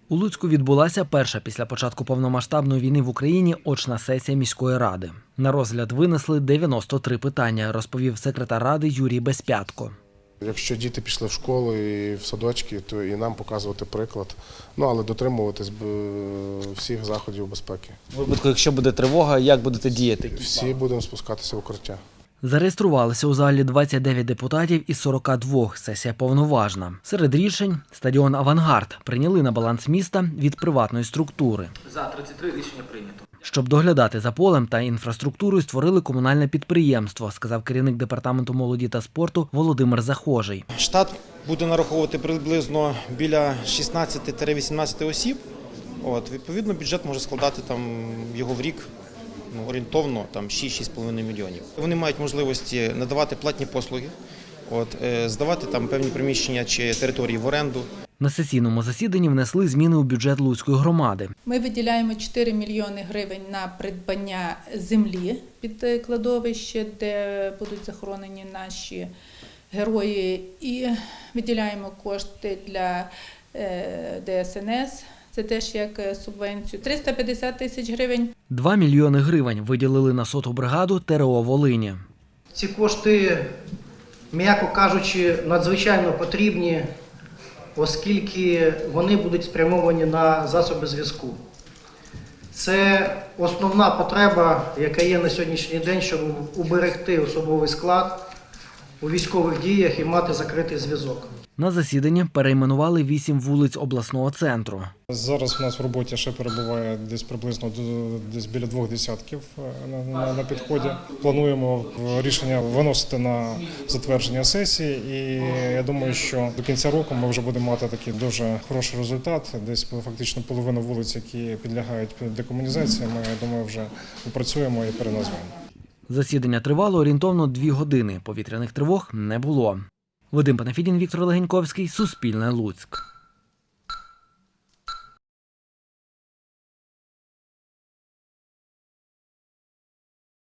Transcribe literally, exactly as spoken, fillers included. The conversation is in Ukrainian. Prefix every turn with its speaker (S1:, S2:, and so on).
S1: У Луцьку відбулася перша після початку повномасштабної війни в Україні очна сесія міської ради. На розгляд винесли дев'яносто три питання, розповів секретар ради Юрій Безпятко.
S2: Якщо діти пішли в школу і в садочки, то і нам показувати приклад, ну але дотримуватись всіх заходів безпеки.
S3: У випадку, якщо буде тривога, як будете діяти?
S2: Всі будемо спускатися в укриття.
S1: Зареєструвалися у залі двадцять дев'ять депутатів із сорока двох. Сесія повноважна. Серед рішень – стадіон «Авангард» прийняли на баланс міста від приватної структури.
S3: За тридцять три рішення прийнято.
S1: Щоб доглядати за полем та інфраструктурою, створили комунальне підприємство, сказав керівник департаменту молоді та спорту Володимир Захожий.
S4: Штат буде нараховувати приблизно біля шістнадцяти-вісімнадцяти осіб. От, відповідно, бюджет може складати там його в рік ну, орієнтовно там шість-шість з половиною мільйонів. Вони мають можливості надавати платні послуги, от, здавати там певні приміщення чи території в оренду.
S1: На сесійному засіданні внесли зміни у бюджет Луцької громади.
S5: Ми виділяємо чотири мільйони гривень на придбання землі під кладовище, де будуть захоронені наші герої, і виділяємо кошти для Де Ес Ен Ес, це теж як субвенцію, триста п'ятдесят тисяч гривень.
S1: Два мільйони гривень виділили на соту бригаду Те Ре О Волині.
S6: Ці кошти, м'яко кажучи, надзвичайно потрібні, оскільки вони будуть спрямовані на засоби зв'язку. Це основна потреба, яка є на сьогоднішній день, щоб уберегти особовий склад у військових діях і мати закритий зв'язок.
S1: На засіданні перейменували вісім вулиць обласного центру.
S7: Зараз у нас в роботі ще перебуває десь приблизно десь біля двох десятків на, на, на підході. Плануємо рішення виносити на затвердження сесії, і я думаю, що до кінця року ми вже будемо мати такий дуже хороший результат. Десь фактично половина вулиць, які підлягають декомунізації, ми, я думаю, вже опрацюємо і переназвемо.
S1: Засідання тривало орієнтовно дві години. Повітряних тривог не було. Вадим Панафідін, Віктор Легеньковський, Суспільне, Луцьк.